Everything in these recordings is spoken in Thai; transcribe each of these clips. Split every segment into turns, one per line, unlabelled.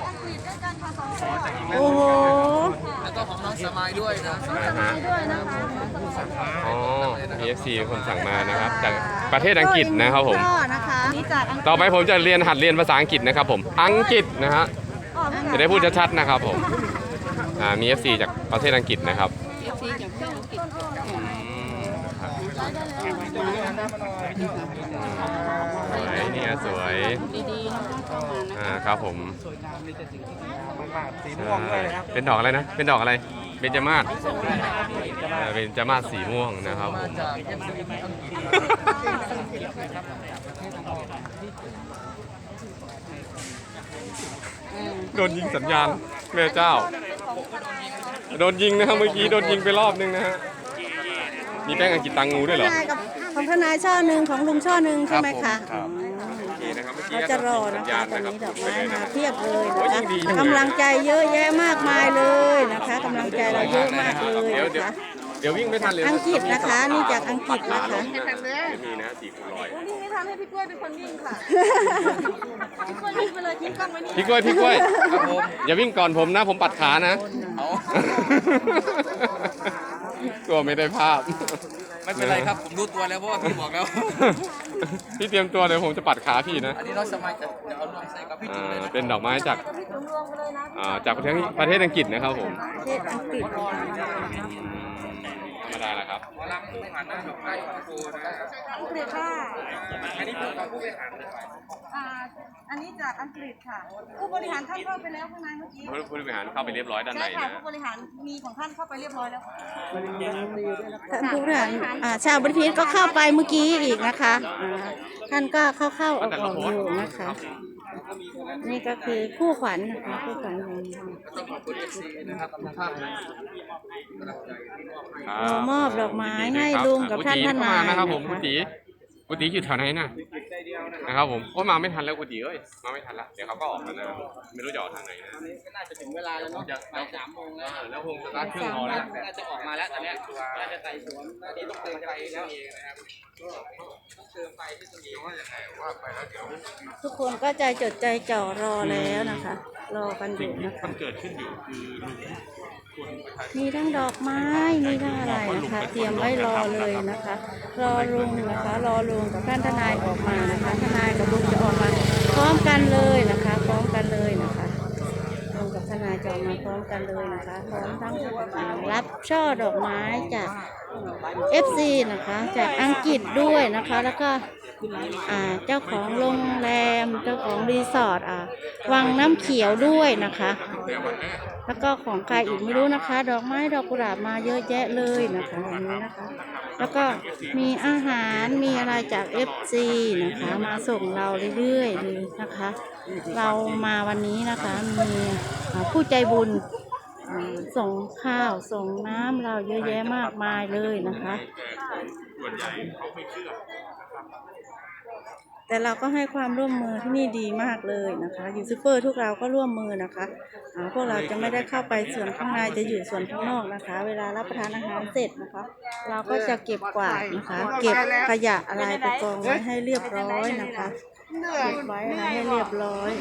อังกฤษด้วยกันค่ะ2 คน
โอ้โห
แล้วก็ของน้องสมายด้วยนะ
สบายด้วยนะคะ
อ๋อ PFC คนสั่งมานะครับจากประเทศอังกฤษนะครับผม
นะคะนี่จากอังกฤษ
ต่อไปผมจะหัดเรียนภาษาอังกฤษนะครับผมอังกฤษนะฮะจะได้พูดชัดๆนะครับผมมี FC จากประเทศอังกฤษนะครับสวยเนี่ยสวยครับผมเป็นดอกอะไรนะเป็นดอกอะไรเบญจมาศเบญจมาศสีม่วงนะครับผมโดนยิงสัญญาณแม่เจ้าโดนยิงนะครับเมื่อกี้โดนยิงไปรอบนึงนะฮะมีแป้งอังกฤษตังงูด้วยเหรอ
ของทนายช่อหนึ่งของลุงช่อหนึ่งใช่ไหมคะเราจะรอนะคะตอนนี้ดอกไม้มาเพียบเลยนะคะกำลังใจเยอะแยะมากมายเลยนะคะกำลังใจเราเยอะมากเลยนะคะ
เดี๋ยววิ่งไม่ทันเลย
อังกฤษนะคะนี่จากอังกฤษนะคะ
มีนะ4 คูณ 100
นี่ไม่ทำให้พี่กล้วยเป็นคนวิ่งค่ะพี่กล้วยวิ่งไปเลยทิ้งกล้องไว้นี่
พี่กล้วยอย่าวิ่งก่อนผมนะผมปัดขานะกลัวไม่ได้ภาพ
ไม่เป็นไรครับผมรู้ตัวแล้วเพราะว่าพี่บอกแล้ว
พี่เตรียมตัวเดี๋ยวผมจะปัดขาพี่นะ
อันนี้น้องสมายจะเดี๋ยวเอาลงใส่กับพี่จุ๊บเลยนะ
เป็นดอกไม้จากประเทศอังกฤษนะครับผม
ประเทศอังกฤษ
ธรรมดาแหละครับ
ไม่ผ่านหน้าดอกไม้ของครูนะ
อังกฤษค่ะ
อันนี้เป็นของผู้บริหารเลย
อันนี้จากอังกฤษค่ะผู้บริหารท่านเข้าไปแล้วข้างในเมื่อกี้
ผู้บริหารเข้าไปเรียบร้อยด้านใน
ใช่ค่ะ
นะ
ผู้บริหารมีของท่านเข้าไปเรียบร้อยแล้ว
ท่านผู้บริหารชาวบริษัทก็เข้าไปเมื่อกี้อีกนะคะท่านก็เข้าออกอยู่นะคะนี่ก็คือคู่ขวัญนะคะคู่ขวัญของ
ต้องขอบคุณ FC นะครับทุกท่านนะ
เรามอบดอกไม้ให้ลุงกับท่านทนาย
นะครับผมกุฏิอยู่แถวไหนนะครับผมมาไม่ทันแล้วกุฏิมาไม่ทันแล้วเดี๋ยวเขาก็ออกแล้วนะไม่รู้จะออกทางไหนนะ
น่าจะถึงเวลาแล้วเนาะบ่าย3 โมง
แล้วคงสตาร์ทเครื่องรอแล้ว
น่าจะออกมาแล้วตอนนี้น่าจะไต่สวนอันนี้ต้องเติมไฟแล้วเองนะครับต้องเติมไฟที่ตรงนี้ว่าอย่างไรว่าไปแล้วเดี๋ยว
ทุกคนก็ใจจดใจจ่อรอแล้วนะคะรอกันอยู่นะคะ
มันเกิดขึ้นอยู่คือ
มีทั้งดอกไม้มีทั้งอะไรนะคะเตรียมไว้รอเลยนะคะรอลุงนะคะรอลุงกับท่านทนายออกมานะคะทนายกับลุงจะออกมาพร้อมกันเลยนะคะพร้อมกันเลยนะคะลุงกับทนายจะออกมาพร้อมกันเลยนะคะพร้อมทั้งรับช่อดอกไม้จาก FC นะคะจากอังกฤษด้วยนะคะแล้วก็เจ้าของโรงแรมเจ้าของรีสอร์ทวังน้ำเขียวด้วยนะคะแล้วก็ของใครอีกไม่รู้นะคะดอกไม้ดอกกุหลาบมาเยอะแยะเลยนะคะอย่างนี้นะคะแล้วก็มีอาหารมีอะไรจาก FC นะคะมาส่งเราเรื่อยๆเลยนะคะเรามาวันนี้นะคะมีผู้ใจบุญส่งข้าวส่งน้ำเราเยอะแยะมากมายเลยนะคะแต่เราก็ให้ความร่วมมือที่นี่ดีมากเลยนะคะยูทูบเบอร์ทุกเราก็ร่วมมือนะคะพวกเราจะไม่ได้เข้าไปส่วนข้างในจะอยู่ส่วนข้างนอกนะคะเวลารับประทานอาหารเสร็จนะคะเราก็จะเก็บกวาดนะคะเก็บขยะอะไรไปกองไว้ให้เรียบร้อยนะคะเก็บไว้อะไรให้เรียบร้อย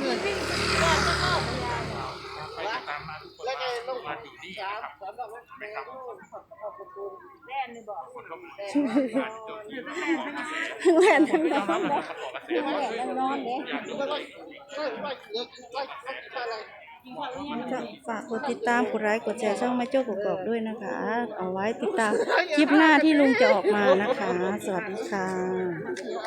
แหวนทั้งนอนเลยแหวนทั้งนอนเลยฝากกดติดตามกดไลค์กดแชร์ช่องแม่โจ้กกอกด้วยนะคะเอาไว้ติดตามคลิปหน้าที่ลุงจะออกมานะคะสวัสดีค่ะ